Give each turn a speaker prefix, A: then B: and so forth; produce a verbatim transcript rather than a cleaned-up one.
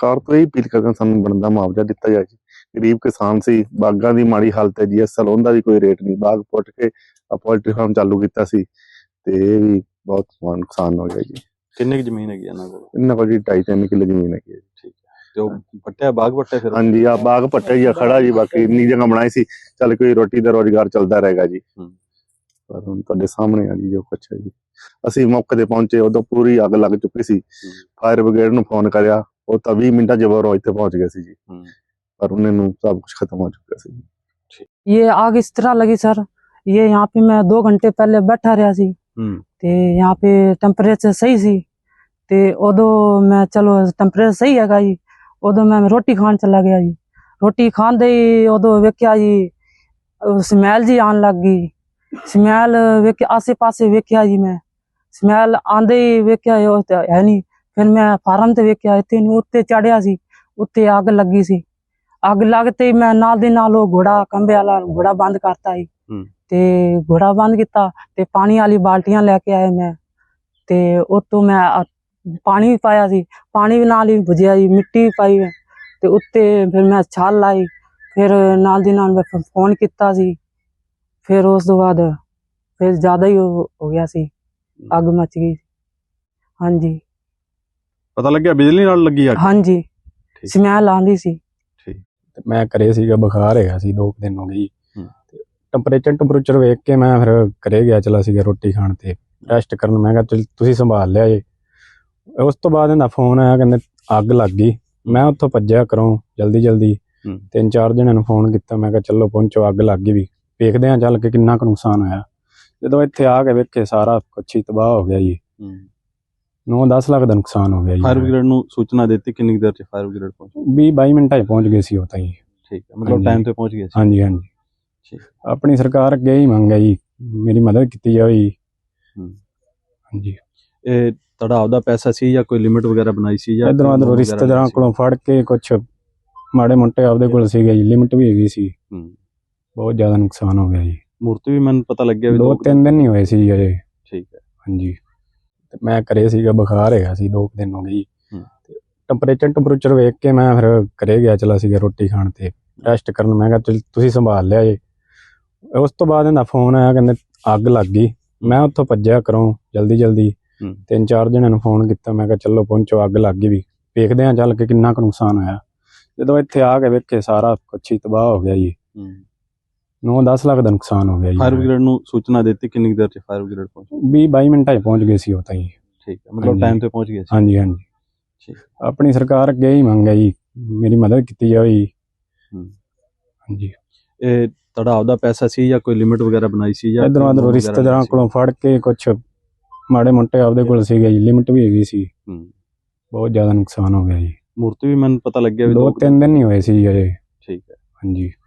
A: ਸਰਕਾਰ ਤੋਂ ਇਹ ਅਪੀਲ ਕਰਦੇ ਹਾਂ ਸਾਨੂੰ ਬਣਦਾ ਮੁਆਵਜ਼ਾ ਦਿੱਤਾ ਜਾਏ ਜੀ। ਗਰੀਬ ਕਿਸਾਨ ਸੀ, ਬਾਗਾਂ ਦੀ ਮਾੜੀ ਹਾਲਤ ਹੈ ਜੀ, ਅਸਲ ਉਹਦਾ ਵੀ ਕੋਈ ਰੇਟ ਨਹੀਂ। ਬਾਗ ਪੁੱਟ ਕੇ ਪੋਲਟਰੀ ਫਾਰਮ ਚਾਲੂ ਕੀਤਾ ਸੀ ਤੇ ਇਹ ਵੀ ਬਹੁਤ ਨੁਕਸਾਨ ਹੋ ਗਿਆ ਜੀ।
B: ਕਿੰਨੀ ਕੁ ਜ਼ਮੀਨ ਹੈਗੀ ਇਹਨਾਂ ਕੋਲ?
A: ਇਹਨਾਂ ਕੋਲ ਜੀ ਢਾਈ ਤਿੰਨ ਕਿੱਲੇ ਜ਼ਮੀਨ ਹੈਗੀ ਹੈ ਜੀ।
B: ਠੀਕ ਹੈ, ਤੇ ਉਹ ਪੱਟਿਆ ਬਾਗ ਪੱਟਿਆ ਫਿਰ?
A: ਹਾਂਜੀ, ਆ ਬਾਗ ਪੱਟਿਆ ਜੀ, ਖੜਾ ਜੀ। ਬਾਕੀ ਇੰਨੀ ਜਗ੍ਹਾ ਬਣਾਈ ਸੀ, ਚੱਲ ਕੋਈ ਰੋਟੀ ਦਾ ਰੋਜ਼ਗਾਰ ਚੱਲਦਾ ਰਹੇਗਾ ਜੀ। ਪਰ ਹੁਣ ਤੁਹਾਡੇ ਸਾਹਮਣੇ ਆ ਜੀ ਜੋ ਕੁਛ ਹੈ ਜੀ। ਅਸੀਂ ਮੌਕੇ ਤੇ ਪਹੁੰਚੇ, ਉਦੋਂ ਪੂਰੀ ਅੱਗ ਲੱਗ ਚੁੱਕੀ ਸੀ। ਫਾਇਰ ਬ੍ਰਿਗੇਡ ਨੂੰ ਫੋਨ ਕਰਿਆ, ਉਹ ਤਾਂ ਵੀਹ ਮਿੰਟਾਂ ਚ ਉਹ ਇੱਥੇ ਪਹੁੰਚ ਗਏ ਸੀ ਜੀ। पर उन्हें सब कुछ खत्म हो चुका है।
C: ये आग इस तरह लगी सर, ये यहाँ पे मैं दो घंटे पहले बैठा रहा सी ते यहाँ पे टेम्परेचर सही सी ते उदो मैं चलो टेम्परेचर सही है जी, उदो मैं रोटी खान चला गया जी। रोटी खान दे उदो वेख्या जी स्मैल जी आन लग गई। स्मैल वेख आसे पासे वेख्या जी, मैं स्मैल आंदे ही वेख्या है नहीं। फिर मैं फार्म ते वेख्या इत्थे उत्ते चढ़िया सी, उत्ते अग लगी सी। अग लगते ही मैं नाल दे नाल घोड़ा कंबे वाला घोड़ा बंद करता ही ते घोड़ा बंद किया ते पानी वाली बाल्टियां लेके आए मैं ते उतो मैं पानी भी पाया सी, पानी भी नाल ही बुझिया जी, मिट्टी भी पाई ते उत्ते फिर मैं छाल लाई। फिर नाल दी नाल मैं फोन किया सी। फिर उस तो बाद फिर ज्यादा ही हो गया सी, अग मच गई। हाँ जी,
B: पता लग गया बिजली नाल लगी अग?
C: हाँ जी, स्मैल आंदी सी।
D: मैं घरे सीगा, बुखार है सी, दो दिन हो गई। टैंपरेचर टैंपरेचर वेख के मैं फिर घरे गया चला सीगा रोटी खाण ते रेस्ट करन। मैं कहा चल तुसीं संभाल लिया जे। उस तो बाद इहदा फोन आया, कहंदे अग लग गई। मैं उत्थों भज्जिया घरों जल्दी जल्दी, तीन चार जणिਆਂ ਨੂੰ फोन किया। मैं कहा चलो पहुंचो, अग लग गई भी, देखदे हां चल के किन्ना कुछ नुकसान होया। जदों इत्थे आ के वेखे सारा कुछ ही तबाह हो गया जी। नौ दस लाख का नुकसान हो गया जी।
B: फायर ब्रिगेड ਨੂੰ सूचना देती? किन्नी देर च फायर ब्रिगेड पहुंची?
D: बीस बाईस मिनटां च पहुंच गए सी ਉਹ ਤਾਂ ਜੀ।
B: ठीक है, मतलब टाइम ਤੇ ਪਹੁੰਚ ਗਏ ਸੀ।
D: ਹਾਂਜੀ ਹਾਂਜੀ, ਆਪਣੀ ਸਰਕਾਰ ਅੱਗੇ ਹੀ ਮੰਗ ਹੈ ਜੀ, ਮੇਰੀ ਮਦਦ ਕੀਤੀ ਜਾਵੇ ਜੀ। ਹਾਂਜੀ,
B: ਇਹ ਤੁਹਾਡਾ ਆਪਦਾ ਪੈਸਾ ਸੀ ਜਾਂ ਕੋਈ ਲਿਮਿਟ ਵਗੈਰਾ ਬਣਾਈ ਸੀ ਜਾਂ
D: ਇਧਰੋਂ ਇਧਰੋਂ ਰਿਸ਼ਤੇਦਾਰਾਂ ਕੋਲੋਂ ਫੜ ਕੇ ਕੁਛ ਮਾੜੇ ਮੋਟੇ ਆਪਦੇ ਕੋਲ ਸੀਗੇ ਜੀ, ਲਿਮਿਟ ਵੀ ਹੈਗੀ ਸੀ। ਬਹੁਤ ਜ਼ਿਆਦਾ ਨੁਕਸਾਨ ਹੋ ਗਿਆ ਜੀ।
B: ਮੂਰਤੀ ਵੀ ਮੈਨੂੰ ਪਤਾ ਲੱਗਿਆ ਵੀ
D: ਦੋ ਤਿੰਨ ਦਿਨ ਹੀ ਹੋਏ ਸੀ ਅਜੇ।
B: ਠੀਕ ਹੈ,
D: ਹਾਂਜੀ, ਤੇ ਮੈਂ ਘਰੇ ਸੀਗਾ, ਬੁਖਾਰ ਹੈਗਾ ਸੀ, ਦੋ ਦਿਨ ਹੋ ਗਈ। ਟੈਂਪਰੇਚਰ ਟੈਂਪਰੇਚਰ ਵੇਖ ਕੇ ਮੈਂ ਫਿਰ ਘਰੇ ਗਿਆ ਚਲਾ ਸੀਗਾ ਰੋਟੀ ਖਾਣ ਤੇ ਰੈਸਟ ਕਰਨ। ਮੈਂ ਕਿਹਾ ਚਲ ਤੁਸੀਂ ਸੰਭਾਲ ਲਿਆ ਜੇ। ਉਸ ਤੋਂ ਬਾਅਦ ਇਹਦਾ ਫੋਨ ਆਇਆ, ਕਹਿੰਦੇ ਅੱਗ ਲੱਗ ਗਈ। ਮੈਂ ਉੱਥੋਂ ਭੱਜਿਆ ਘਰੋਂ ਜਲਦੀ ਜਲਦੀ, ਤਿੰਨ ਚਾਰ ਜਣਿਆਂ ਨੂੰ ਫੋਨ ਕੀਤਾ। ਮੈਂ ਕਿਹਾ ਚਲੋ ਪਹੁੰਚੋ, ਅੱਗ ਲੱਗ ਗਈ ਵੀ, ਦੇਖਦੇ ਹਾਂ ਚੱਲ ਕੇ ਕਿੰਨਾ ਕੁ ਨੁਕਸਾਨ ਹੋਇਆ। ਜਦੋਂ ਇੱਥੇ ਆ ਕੇ ਵੇਖੇ ਸਾਰਾ ਕੁਛ ਹੀ ਤਬਾਹ ਹੋ ਗਿਆ ਜੀ। ਨੌ ਦਸ ਲੱਖ ਦਾ ਨੁਕਸਾਨ ਹੋ ਗਿਆ ਜੀ।
B: फायर ब्रिगेड ਨੂੰ सूचना देती? किन्नी देर च फायर ब्रिगेड पहुंची?
D: बीस बाईस मिनटां च पहुंच गए सी ਉਹ ਤਾਂ ਜੀ।
B: ठीक है, मतलब टाइम ਤੇ ਪਹੁੰਚ ਗਏ ਸੀ।
D: ਹਾਂਜੀ ਹਾਂਜੀ, ਆਪਣੀ ਸਰਕਾਰ ਅੱਗੇ ਹੀ ਮੰਗ ਹੈ ਜੀ, ਮੇਰੀ ਮਦਦ ਕੀਤੀ ਜਾਵੇ ਜੀ। ਹਾਂਜੀ,
B: ਇਹ ਤੁਹਾਡਾ ਆਪਦਾ ਪੈਸਾ ਸੀ ਜਾਂ ਕੋਈ ਲਿਮਿਟ ਵਗੈਰਾ ਬਣਾਈ ਸੀ ਜਾਂ
D: ਇਧਰੋਂ ਇਧਰੋਂ ਰਿਸ਼ਤੇਦਾਰਾਂ ਕੋਲੋਂ ਫੜ ਕੇ ਕੁਛ ਮਾੜੇ ਮੋਟੇ ਆਪਦੇ ਕੋਲ ਸੀਗੇ ਜੀ, ਲਿਮਿਟ ਵੀ ਹੈਗੀ ਸੀ। ਬਹੁਤ ਜ਼ਿਆਦਾ ਨੁਕਸਾਨ ਹੋ ਗਿਆ ਜੀ।
B: ਮੂਰਤੀ ਵੀ ਮੈਨੂੰ ਪਤਾ ਲੱਗਿਆ ਵੀ
D: ਦੋ ਤਿੰਨ ਦਿਨ ਹੀ ਹੋਏ ਸੀ ਅਜੇ।
B: ਠੀਕ ਹੈ,
D: ਹਾਂਜੀ।